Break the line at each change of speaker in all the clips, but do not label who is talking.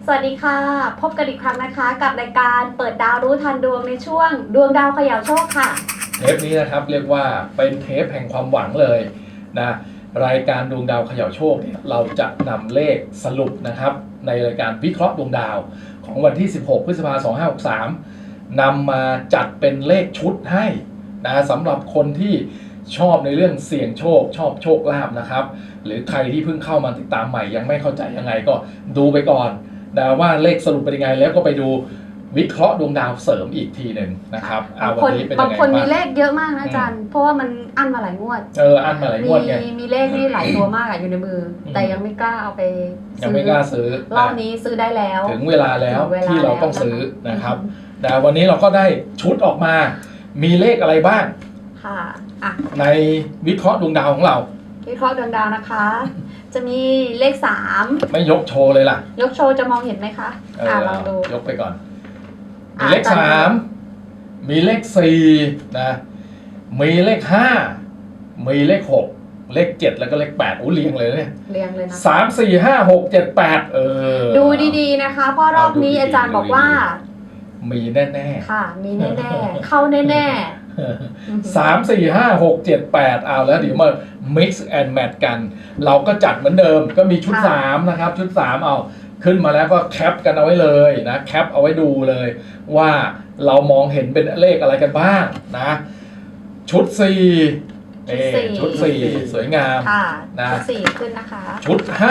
สวัสดีค่ะพบกันอีกครั้งนะคะกับรายการเปิดดาวรู้ทันดวงในช่วงดวงดาวเขย่าโชคค่ะ
เทปนี้นะครับเรียกว่าเป็นเทปแห่งความหวังเลยนะรายการดวงดาวเขย่าโชคเนี่ยเราจะนำเลขสรุปนะครับในรายการวิเคราะห์ดวงดาวของวันที่ 16 พฤษภาคม 2563นำมาจัดเป็นเลขชุดให้นะสำหรับคนที่ชอบในเรื่องเสี่ยงโชคชอบโชคลาภนะครับหรือใครที่เพิ่งเข้ามาติดตามใหม่ยังไม่เข้าใจยังไงก็ดูไปก่อนนะว่าเลขสรุปเป็นยังไงแล้วก็ไปดูวิเคราะห์ดวงดาวเสริมอีกทีหนึ่งนะครับวันนี้เป็นยังไง
บางคนมีเลขเยอะมากนะอาจารย์เพราะว่ามันอั้นมาหลายงวด
อั้นมาหลายงวดไง
มีเลขนี่หลายตัวมากอยู่ในมือแต่ยังไม่กล้าเอาไป
ยังไม่กล้าซื้อ
รอบนี้ซื้อได้แล้ว
ถึงเวลาแล้วที่เราต้องซื้อนะครับแต่วันนี้เราก็ได้ชุดออกมามีเลขอะไรบ้าง
ค่ะ
ในวิเคราะห์ดวงดาวของเรา
วิเคราะห์ดวงดาวนะคะจะมีเลข3
ไม่ยกโชว์เลยล่ะ
ยกโชว์จะมองเห็นไหมคะลองดู
ยกไปก่อนมีเลข3มีเลข4นะมีเลข5มีเลข6เลข7แล้วก็เลข8เรียงเลยเนี่ย
เรียงเลยนะ
3 4 5 6 7 8
ดูดีๆนะคะเพราะรอบนี้อาจารย์บอกว่า
มีแน่
ๆค่ะมีแน่ๆเข้าแน่
ๆ3 4 5 6 7 8เอาแล้วเดี๋ยวมา mix and match กันเราก็จัดเหมือนเดิมก็มีชุด3นะครับชุด3เอาขึ้นมาแล้วก็แคปกันเอาไว้เลยนะแคปเอาไว้ดูเลยว่าเรามองเห็นเป็นเลขอะไรกันบ้างนะชุด4ชุด4สวยงาม
นะชุด4ขึ้นนะคะ
ชุด5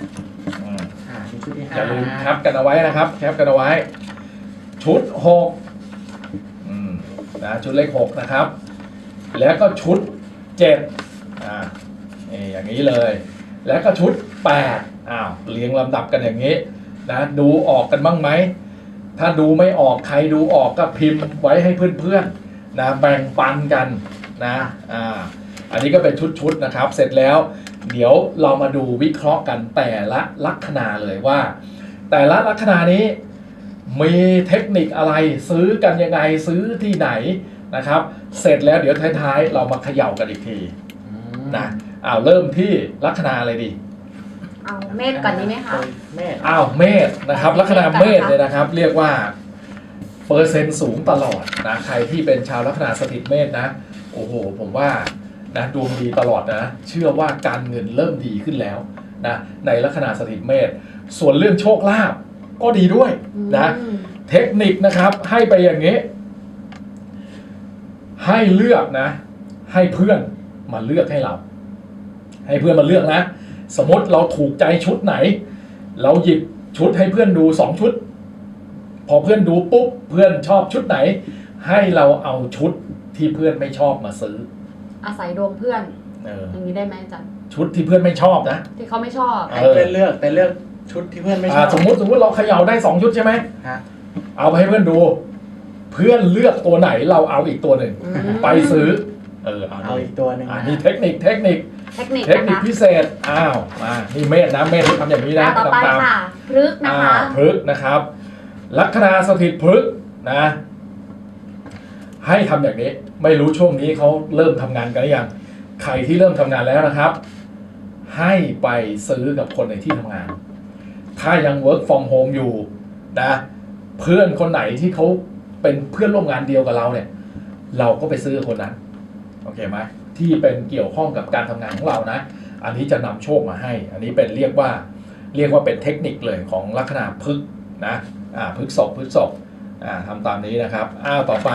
อย่าลืมแคปกันเอาไว้นะครับแคปกันเอาไว้ชุด6นะชุดเลข6นะครับแล้วก็ชุด7อย่างนี้เลยแล้วก็ชุด8เรียงลำดับกันอย่างนี้นะดูออกกันบ้างไหมถ้าดูไม่ออกใครดูออกก็พิมพ์ไว้ให้เพื่อนๆนะแบ่งปันกันนะอันนี้ก็เป็นชุดนะครับเสร็จแล้วเดี๋ยวเรามาดูวิเคราะห์กันแต่ละลัคนาเลยว่าแต่ละลัคนานี้มีเทคนิคอะไรซื้อกันยังไงซื้อที่ไหนนะครับเสร็จแล้วเดี๋ยวท้ายๆเรามาเขย่ากันอีกทีนะเริ่มที่ลัคนาอะไรดี
เอาเมษก่อนดีไหมคะ
เมษนะครับลัคนาเมษเลยนะครับเรียกว่าเปอร์เซ็นต์สูงตลอดนะใครที่เป็นชาวลัคนาสถิตเมษนะโอ้โหผมว่านะดวงดีตลอดนะเชื่อว่าการเงินเริ่มดีขึ้นแล้วนะในลัคนาสถิตเมษส่วนเรื่องโชคลาภก็ดีด้วยนะเทคนิคนะครับให้ไปอย่างนี้ให้เลือกนะให้เพื่อนมาเลือกให้เราให้เพื่อนมาเลือกนะสมมติเราถูกใจชุดไหนเราหยิบชุดให้เพื่อนดู2ชุดพอเพื่อนดูปุ๊บเพื่อนชอบชุดไหนให้เราเอาชุดที่เพื่อนไม่ชอบมาซื้อ
อาศัยดวงเพื่อนอย่างนี้ได้ไหมอาจารย์
ชุดที่เพื่อนไม่ชอบนะ
ที่เขาไม่ชอบ
ให้เพื่อนเลือกชุดที่เพื่อนไม่ชอบ
สมมติเราเขย่าได้2ชุดใช่ไหมเอาไปให้เพื่อนดูเพื่อนเลือกตัวไหนเราเอาอีกตัวหนึ่งไปซื้อ
เอาอีกตัวหนึ่ง
มีเทคนิคพิเศษมานี่เมษนะเมษทำอย่างนี้นะ
ต่อไปค่ะพฤกษ์นะคะ
พฤกษ์นะครับลัคนาสถิตพฤกษ์นะให้ทำอย่างนี้ไม่รู้ช่วงนี้เขาเริ่มทำงานกันหรือยังใครที่เริ่มทำงานแล้วนะครับให้ไปซื้อกับคนในที่ทำงานถ้ายัง work from home อยู่นะเพื่อนคนไหนที่เขาเป็นเพื่อนร่วมงานเดียวกับเราเนี่ยเราก็ไปซื้อคนนั้นโอเคไหมที่เป็นเกี่ยวข้องกับการทำงานของเรานะอันนี้จะนำโชคมาให้อันนี้เป็นเรียกว่าเป็นเทคนิคเลยของลัคนาพฤกษ์นะพฤกษกทำตามนี้นะครับต่อไป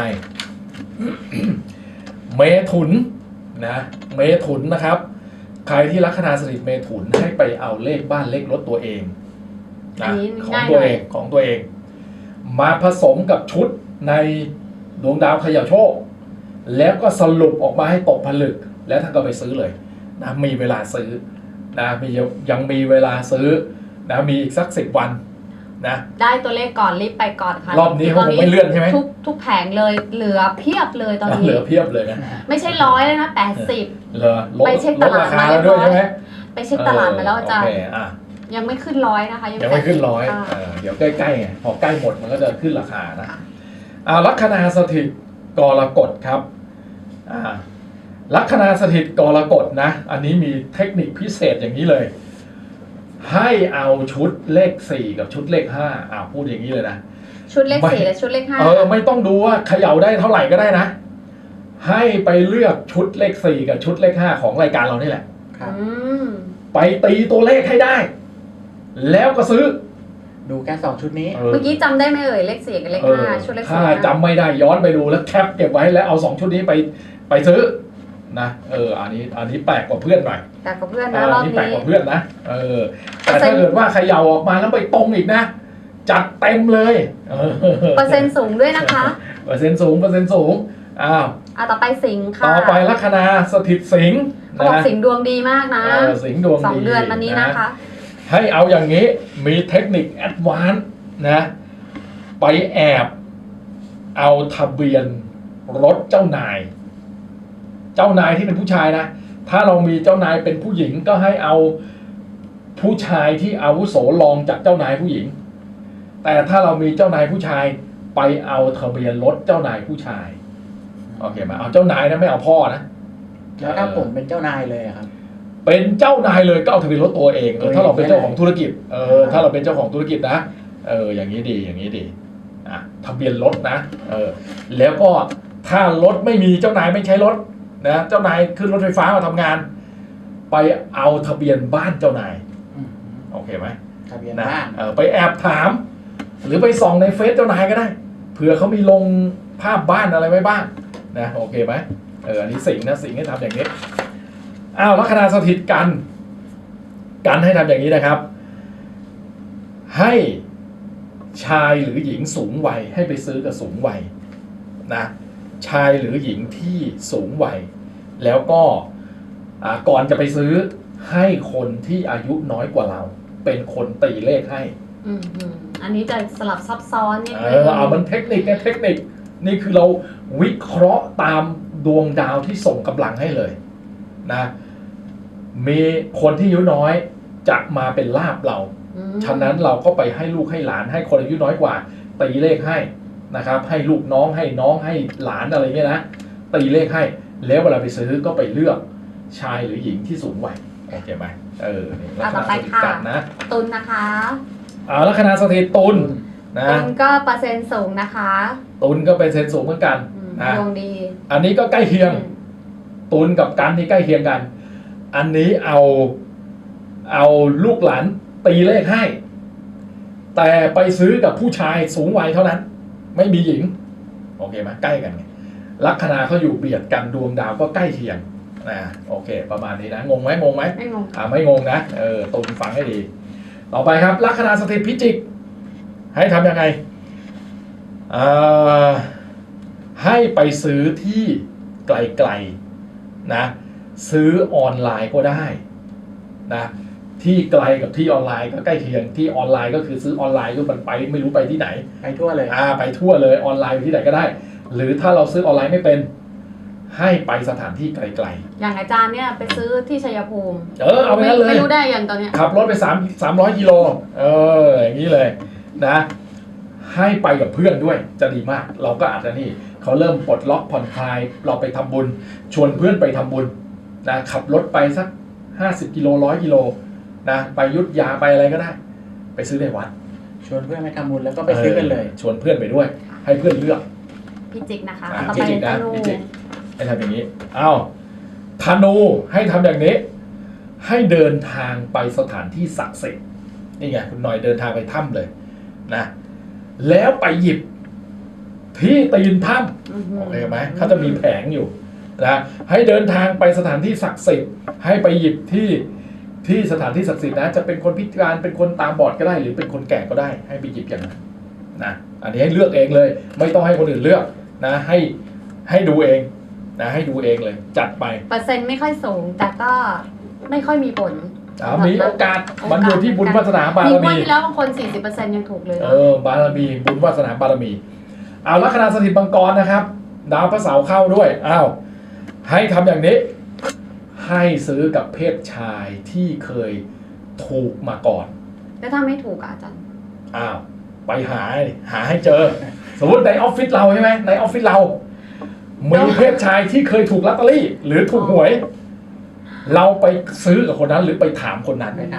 เมถุนนะเมถุนนะครับใครที่ลัคนาสถิตเมถุนให้ไปเอาเลขบ้านเลขรถตัวเองนะของตัวเองมาผสมกับชุดในดวงดาวเขย่าโชคแล้วก็สรุปออกมาให้ตกผลึกแล้วท่านก็ไปซื้อเลยนะมีเวลาซื้อนะยังมีเวลาซื้อนะมีอีกสัก10 วันนะ
ได้ตัวเลขก่อนรีบไปก่อนค่ะ
รอบนี้เขาคงไม่เลื่อนใช่ไหม
ทุกแผงเลยเหลือเพียบเลยตอนนี้
เหลือเพียบเลยนะ
ไม่ใช่100แล้วนะ80
เหลือไปเช็คตลาดมาแล้ว
ด้วยใช่ไหมไปเช็คตลาดมาแล้วอาจารย์ยังไม่ขึ้น100นะคะ
ยังไม่ขึ้น100เดี๋ยวใกล้ๆไงพอใกล้หมดมันก็จะขึ้นราคานะลัคนาสถิตกรกฎครับลัคนาสถิตกรกฎนะอันนี้มีเทคนิคพิเศษอย่างนี้เลยให้เอาชุดเลข4กับชุดเลข5พูดอย่างนี้เลยนะ
ชุดเลข4และชุดเลข5
ไม่ต้องดูว่าเขย่าได้เท่าไหร่ก็ได้นะให้ไปเลือกชุดเลข4กับชุดเลข5ของรายการเรานี่แหละ
ครับ
ไปตีตัวเลขให้ได้ แล้วก็ซื้อ
ดูแค่2ชุดนี้
เมื่อกี้จำได้ไหมเอ่ยเลข4กับเลข5ชุดเลข4
ถ้าจำไม่ได้ย้อนไปดูแล้วแคปเก็บไว้แล้วเอา2ชุดนี้ไปซื้อนะอันนี้แปลกกว่าเพื่อนหน่อย
แต่กับเพื่อนนะรอบ
นี้แปลก
นี้
กว่าเพื่อนนะแต่ถ้าเกิดว่าเขย่าออกมาแล้วไปตรงอีกนะจัดเต็มเลย
เปอร์เซ็นต์สูงด้วยนะคะ
เปอร์เซ็นต์สูง
ต่อไปสิงห์ค่ะ
ต่อไปลัคนาสถิตสิงห์
เขาบอกสิงห์ดวงดีมากนะ
สิงห์ดวงดี
2 เดือนมานี้นะคะ
ให้เอาอย่างนี้มีเทคนิคแอดวานซ์นะไปแอบเอาทะเบียนรถเจ้านายที่เป็นผู้ชายนะถ้าเรามีเจ้านายเป็นผู้หญิงก็ให้เอาผู้ชายที่อาวุโสรองจากเจ้านายผู้หญิงแต่ถ้าเรามีเจ้านายผู้ชายไปเอาทะเบียนรถเจ้านายผู้ชายโอเคไหมเอาเจ้านายนะไม่เอาพ่อนะ
แล้วถ้าผมเป็นเจ้านายเลยครับ
เป็นเจ้านายเลยก็เอาทะเบียนรถตัวเองถ้าเราเป็นเจ้าของธุรกิจถ้าเราเป็นเจ้าของธุรกิจนะอย่างนี้ดีทะเบียนรถนะแล้วก็ถ้ารถไม่มีเจ้านายไม่ใช้รถนะเจ้านายขึ้นรถไฟฟ้ามาทำงาน ไปเอาทะเบียนบ้านเจ้านายโอเคไหม
ทะเบียนบ้าน
ไปแอบถาม หรือไปส่องในเฟซเจ้านายก็ได้เผื่อเขามีลงภาพบ้านอะไรไว้บ้างนะโอเคไหมอันนี้สิ่งให้ทำอย่างนี้ลัคนาสถิตกันให้ทำอย่างนี้นะครับให้ชายหรือหญิงสูงวัยให้ไปซื้อกับสูงวัยนะชายหรือหญิงที่สูงวัยแล้วก็ก่อนจะไปซื้อให้คนที่อายุน้อยกว่าเราเป็นคนตีเลขให้
อันนี้จะสลับซับซ้อนนิดนึง
มันเทคนิคนี่คือเราวิเคราะห์ตามดวงดาวที่ส่งกำลังให้เลยนะมีคนที่อายุน้อยจะมาเป็นลาภเราฉะนั้นเราก็ไปให้ลูกให้หลานให้คนอายุน้อยกว่าตีเลขให้นะครับให้ลูกน้องให้หลานอะไรเงี้ยนะตีเลขให้แล้วเวลาไปซื้อก็ไปเลือกชายหรือหญิงที่สูงวัยโอเคไหม
ลัคนาสถิตกันนะตุลนะคะ
ลัคนาสถิตตุลนะ
ตุลก็เปอร์เซ็นต์สูงนะคะ
ตุลก็เป็นเซนสูงเหมือนกัน
นะดวงดี
อันนี้ก็ใกล้เคียงตุลกับกันนี่ใกล้เคียงกันอันนี้เอาลูกหลานตีเลขให้แต่ไปซื้อกับผู้ชายสูงวัยเท่านั้นไม่มีหญิงโอเคไหมใกล้กันไงลัคนาเขาอยู่เบียดกันดวงดาวก็ใกล้เคียงโอเคประมาณนี้นะงงไหมไม่งงไม่งงนะตุลฟังให้ดีต่อไปครับลัคนาสถิตพิจิกให้ทำยังไงให้ไปซื้อที่ไกลๆนะซื้อออนไลน์ก็ได้นะที่ไกลกับที่ออนไลน์ก็ใกล้เคียงที่ออนไลน์ก็คือซื้อออนไลน์ก็มันไปไม่รู้ไปที่ไหน
ไปทั่วเลย
ไปทั่วเลยออนไลน์ที่ไหนก็ได้หรือถ้าเราซื้อออนไลน์ไม่เป็นให้ไปสถานที่ไกล
ๆอย่างอาจารย์เนี่ยไปซื้อที่ชัยภูมิ
เอาไปนั้นเลย
ไม่รู้ได้ยังตอนนี้
ขับรถไป300 กิโลอย่างนี้เลยนะให้ไปกับเพื่อนด้วยจะดีมากเราก็อาจจะนี่เขาเริ่มปลดล็อกผ่อนคลายเราไปทำบุญชวนเพื่อนไปทำบุญนะขับรถไปสัก50 กิโล100 กิโลนะไปยุทธยาไปอะไรก็ได้ไปซื้อในวัด
ชวนเพื่อนไปทำบุญแล้วก็ไปซื้อกันเลย
ชวนเพื่อนไปด้วยให้เพื่อนเลือก
พิจิกนะคะ
ต่อไปธนูให้ทำอย่างนี้ธนูให้ทำอย่างนี้ให้เดินทางไปสถานที่ศักดิ์สิทธิ์นี่ไงคุณหน่อยเดินทางไปถ้ำเลยนะแล้วไปหยิบที่ตีนถ้ำโอเคไหมเขาจะมีแผงอยู่นะให้เดินทางไปสถานที่ศักดิ์สิทธิ์ให้ไปหยิบที่สถานที่ศักดิ์สิทธิ์นะจะเป็นคนพิการเป็นคนตาบอดก็ได้หรือเป็นคนแก่ก็ได้ให้ไปหยิบอย่างนั้นนะอันนี้ให้เลือกเองเลยไม่ต้องให้คนอื่นเลือกนะให้ดูเองนะให้ดูเองเลยจัดไป
เปอร์เซ็นต์ไม่ค่อยสูงแต่ก็ไม่ค่อยมีผล
มีโอกาสมันอยู่ที่บุญวาสนาบารมี
มีที่แล้วบางคน 40% ยังถูกเลย
บารมีบุญวาสนาบารมีลัคนาสถิตมังกรนะครับดาวพระเสาร์เข้าด้วยให้ทำอย่างนี้ให้ซื้อกับเพศชายที่เคยถูกมาก่อน
แล้วถ้าไม่ถูกอาจารย์
ไปหาให้เจอสมมติในออฟฟิศเราใช่ไหมในออฟฟิศเรามีเพศชายที่เคยถูกลอตเตอรี่หรือถูกหวยเราไปซื้อกับคนนั้นหรือไปถามคนนั้น
ไปถามเขา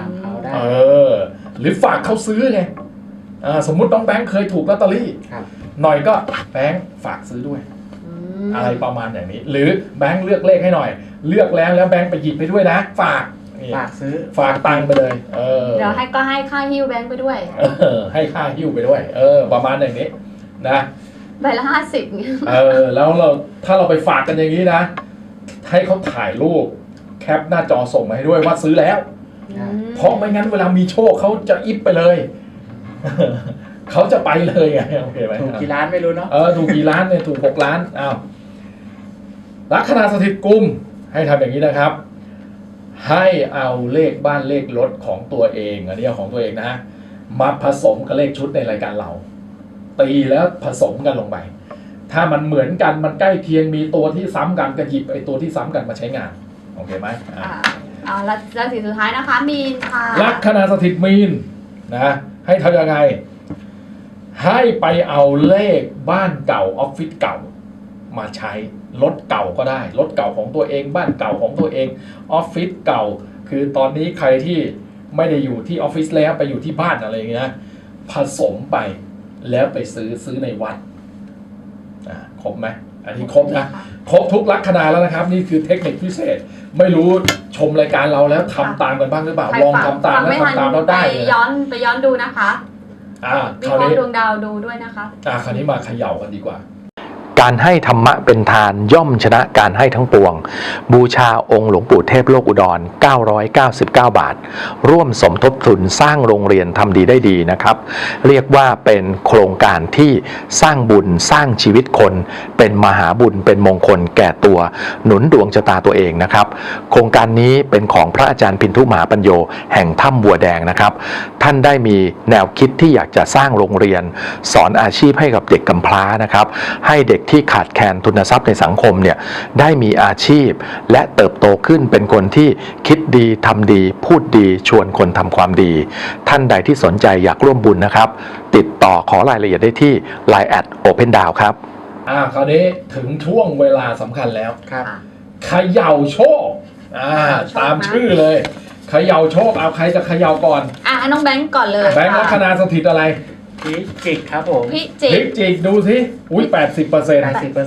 ได้
หรือฝากเขาซื้อไงสมมุติน้องแบงค์เคยถูกลอตเตอรี่
ครับ
หน่อยก็แบงค์ฝากซื้อด้วย อะไรประมาณอย่างนี้ หรือแบงค์เลือกเลขให้หน่อย เลือกแล้วแบงค์ไปหยิบไปด้วยนะฝากนี่
ฝากซื้อ
ฝากตังค์ไปเลย
เดี๋ยวให้ค่าหิ้วแบงค์ไปด้วย
ให้ค่าหิ้วไปด้วย ประมาณอย่างนี้นะ
ใบละ50เงี้ย
แล้วถ้าเราไปฝากกันอย่างนี้นะ ให้เขาถ่ายรูปแคปหน้าจอส่งมาให้ด้วยว่าซื้อแล้ว เพราะไม่งั้นเวลามีโชคเขาจะอิฟไปเลย เขาจะไปเลยไงโอเคไหม
ถูกกี่ล้านไม่รู้เนาะ
ถูกกี่ล้านเนี่ยถูก6 ล้านอ้าวลัคนาสถิตกุมให้ทำอย่างนี้นะครับ ให้เอาเลขบ้านเลขรถของตัวเองอันนี้เอาของตัวเองนะมาผสมกับเลขชุดในรายการเรา ตีแล้วผสมกันลงไปถ้ามันเหมือนกันมันใกล้เคียงมีตัวที่ซ้ำกันก็หยิบไอ้ตัวที่ซ้ำกันมาใช้งานโอเคไหม
ราศีสุดท้ายนะคะมีนค่ะ
ลัคนาสถิตมีนนะให้ทำยังไงให้ไปเอาเลขบ้านเก่าออฟฟิศเก่ามาใช้รถเก่าก็ได้รถเก่าของตัวเองบ้านเก่าของตัวเองออฟฟิศเก่าคือตอนนี้ใครที่ไม่ได้อยู่ที่ออฟฟิศแล้วไปอยู่ที่บ้านอะไรอย่างเงี้ยผสมไปแล้วไปซื้อในวัดครบไหมอันนี้ครบนะครบทุกลัคนาแล้วนะครับนี่คือเทคนิคพิเศษไม่รู้ชมรายการเราแล้วทำตามกันบ้างหรือเปล่าลองทำตามแล้วทำตามแล้วได้เลย
ไปย้อนดูนะคะวิเคราะห์ดวงดาวดูด้วยนะคะ
คราวนี้มาเขย่ากันดีกว่า
การให้ธรรมะเป็นทานย่อมชนะการให้ทั้งปวงบูชาองค์หลวงปู่เทพโลกอุดร999 บาทร่วมสมทบทุนสร้างโรงเรียนทำดีได้ดีนะครับเรียกว่าเป็นโครงการที่สร้างบุญสร้างชีวิตคนเป็นมหาบุญเป็นมงคลแก่ตัวหนุนดวงชะตาตัวเองนะครับโครงการนี้เป็นของพระอาจารย์พินทุมหาปัญโยแห่งถ้ำบัวแดงนะครับท่านได้มีแนวคิดที่อยากจะสร้างโรงเรียนสอนอาชีพให้กับเด็กกำพร้านะครับให้เด็กที่ขาดแคลนทุนทรัพย์ในสังคมเนี่ยได้มีอาชีพและเติบโตขึ้นเป็นคนที่คิดดีทำดีพูดดีชวนคนทำความดีท่านใดที่สนใจอยากร่วมบุญนะครับติดต่อขอรายละเอียดได้ที่ Line @OpenDown ครับ
คราวนี้ถึงช่วงเวลาสำคัญแล้ว
ครับ
เขย่าโชคตามชื่อเลยเขย่าโชคเอาใครจะเขย่าก่อน
น้องแบงก์ก่อนเลย
แบงก์ลัคนาสถิตอะไร
พิจิกครับผม
พิจิก
ดูสิอุ้ย80%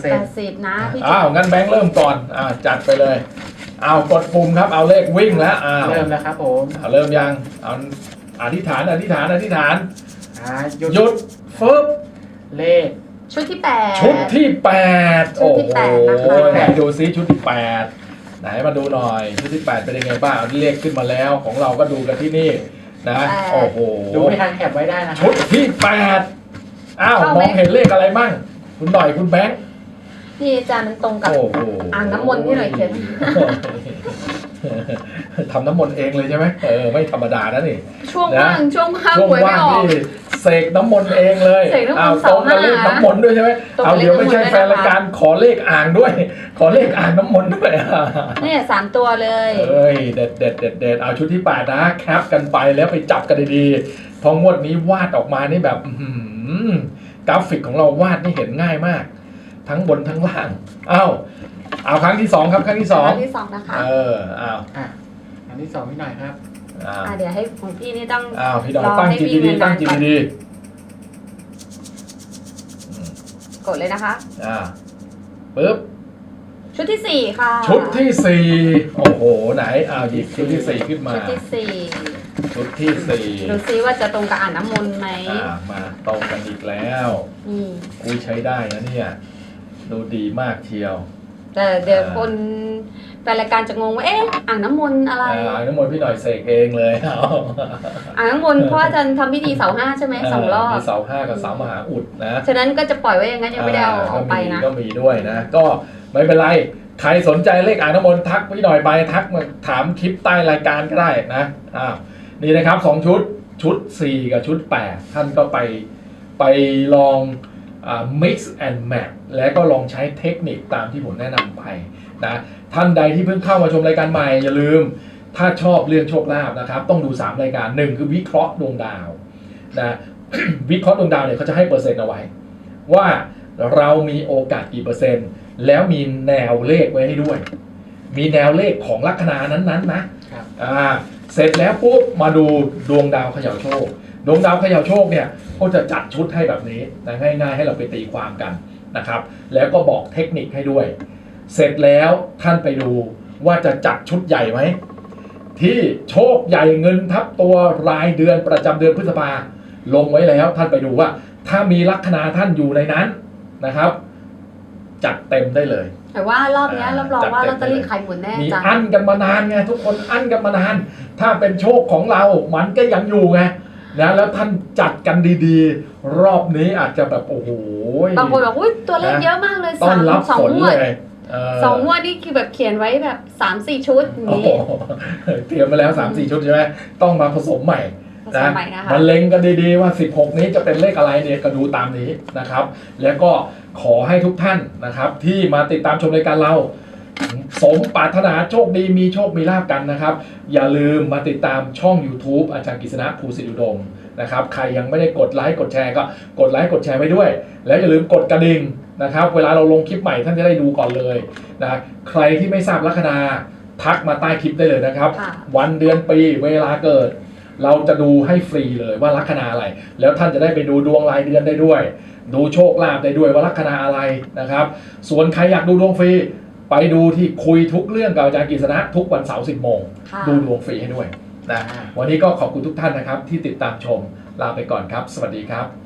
80นะพี่จิก
งั้นแบงค์เริ่มก่อนจัดไปเลยกดปุ่มครับเอาเลขวิ่งแล้ว
เริ่มแล้วครับผม
เริ่มยังอธิษฐานหยุดฟึบ
เลข
ชุดที่8
ชุดที่8โอ้โหไหนดูซิชุดที่8ไหนมาดูหน่อยชุดที่8เป็นยังไงบ้างเลขขึ้นมาแล้วของเราก็ดูกันที่นี่นะโอ้โห
ดูไม่ทันแคปไว้ได้นะ
ชุดที่8มองเห็นเลขอะไรมั่งคุณหน่อยคุณแบงค์
พี่อาจารย์มันตรงกับอ่างน้ำมนต์ที่หน่อยเขียน
ทำน้ำมนต์เองเลยใช่ไหมไม่ธรรมดานะนี่
ช่วงว่าง
นี่เสกน้ำมนต์เองเลยตรงกับเลขน้ำมนต์ด้วยใช่ไหมเดี๋ยวไม่ใช่แฟนรายการขอเลขอ่างด้วยขอเลขอ่างน้ำมนต์ด้วย
นี่3 ตัวเลย
เด็ดเอาชุดที่8นะแคปกันไปแล้วไปจับกันดีๆพองวดนี้วาดออกมานี่แบบกราฟิกของเราวาดนี่เห็นง่ายมากทั้งบนทั้งล่างเอาครั้งที่2ครับครั้งที่
2นะคะ
ครั้งที่2พี่หน่อยครับ
เดี๋ยวให้ของพี่นี่ต้อง
พี่หน่อยตั้งจิตดีๆตั้งจิตดี
กดเลยนะคะ
ปึ๊บ
ชุดที่4ค่ะ
ชุดที่4โอ้โหไหนหยิบชุดที่4ขึ้นมา
ชุดที่4ดูซิว่าจะตรงกับอ่างน้ำมนต์ไหม
มาตรงกันอีกแล้วคุยใช้ได้นะเนี่ยดูดีมากเชียว
แต่เดี๋ยวคนแฟนรายการจะงงว่าอ่างน้ำมนต์อะไร
อ่างน้ำมนต์พี่หน่อยเสกเองเลย
อ่างน้ำมนต์เพราะอาจารย์ทำพิธีเสา5ใช่ไหม2 รอบ
มีเสา5กับเสามหาอุดนะ
ฉะนั้นก็จะปล่อยไว้อย่างนั้นยังไม่ได้เอาออกไปนะ
ก็มีด้วยนะก็ไม่เป็นไรใครสนใจเลขอ่างน้ำมนต์ทักพี่หน่อยไปทักมาถามคลิปใต้รายการก็ได้นะนี่นะครับ2ชุด4กับชุด8ท่านก็ไปลองmix and match แล้วก็ลองใช้เทคนิคตามที่ผมแนะนำไปนะท่านใดที่เพิ่งเข้ามาชมรายการใหม่อย่าลืมถ้าชอบเรื่องโชคลาภนะครับต้องดู3รายการ1คือวิเคราะห์ดวงดาวนะ วิเคราะห์ดวงดาวเนี่ยเขาจะให้เปอร์เซ็นต์เอาไว้ว่าเรามีโอกาสกี่เปอร์เซ็นต์แล้วมีแนวเลขไว้ให้ด้วยมีแนวเลขของลัคนานั้นๆนะเสร็จแล้วปุ๊บมาดูดวงดาวเขย่าโชคดวงดาวเขย่าโชคเนี่ยก็จะจัดชุดให้แบบนี้นะง่ายๆให้เราไปตีความกันนะครับแล้วก็บอกเทคนิคให้ด้วยเสร็จแล้วท่านไปดูว่าจะจัดชุดใหญ่ไหมที่โชคใหญ่เงินทับตัวรายเดือนประจำเดือนพฤษภาลงไว้แล้วท่านไปดูว่าถ้ามีลัคนาท่านอยู่ในนั้นนะครับจัดเต็มได้เลย
แต่ว่ารอบเนี้ยรับรองว่าลอตเตอรี่ขายหมดแน่
มี
จ้ะ
อั้นกันมานานไงทุกคนอั้นกันมานานถ้าเป็นโชคของเรามันก็ยังอยู่ไงนะแล้วท่านจัดกันดีๆรอบนี้อาจจะแบบโอ้โห
บางคนบอกอุ้ยตัวเลขเยอะมากเลย
ต้อนรับ
สอง
ฝน
งวด
เลย
สองงวดนี่คือแบบเขียนไว้แบบ3-4 ชุดอย่าง
โอ้
นี้
โหเตรียมมาแล้ว 3-4 ชุดใช่ไหมต้องมาผสมใหม่
ผสมใหม่นะคะ
มันเล็งกันดีๆว่า 16 นี้จะเป็นเลขอะไรเนี่ยก็ดูตามนี้นะครับ แล้วก็ขอให้ทุกท่านนะครับที่มาติดตามชมรายการเราสมปรารถนาโชคดีมีโชคมีลาภกันนะครับอย่าลืมมาติดตามช่อง YouTube อาจารย์กฤษณะภูสิทธิอุดมนะครับใครยังไม่ได้กดไลค์กดแชร์ก็กดไลค์กดแชร์ไว้ด้วย แล้วอย่าลืมกดกระดิ่งนะครับเวลาเราลงคลิปใหม่ท่านจะได้ดูก่อนเลยนะใครที่ไม่ทราบลัคนาทักมาใต้คลิปได้เลยนะครับ
ค่ะ
วันเดือนปีเวลาเกิด เราจะดูให้ฟรีเลยว่าลัคนาอะไรแล้วท่านจะได้ไปดูดวงรายเดือนได้ด้วย ดูโชคลาภได้ด้วยว่าลัคนาอะไรนะครับส่วนใครอยากดูดวงฟรีไปดูที่คุยทุกเรื่องกับอาจารย์กฤษณะทุกวันเสาร์ 10 โมง
ค่ะ
ดูดวงฟรีให้ด้วยนะวันนี้ก็ขอบคุณทุกท่านนะครับที่ติดตามชมลาไปก่อนครับสวัสดีครับ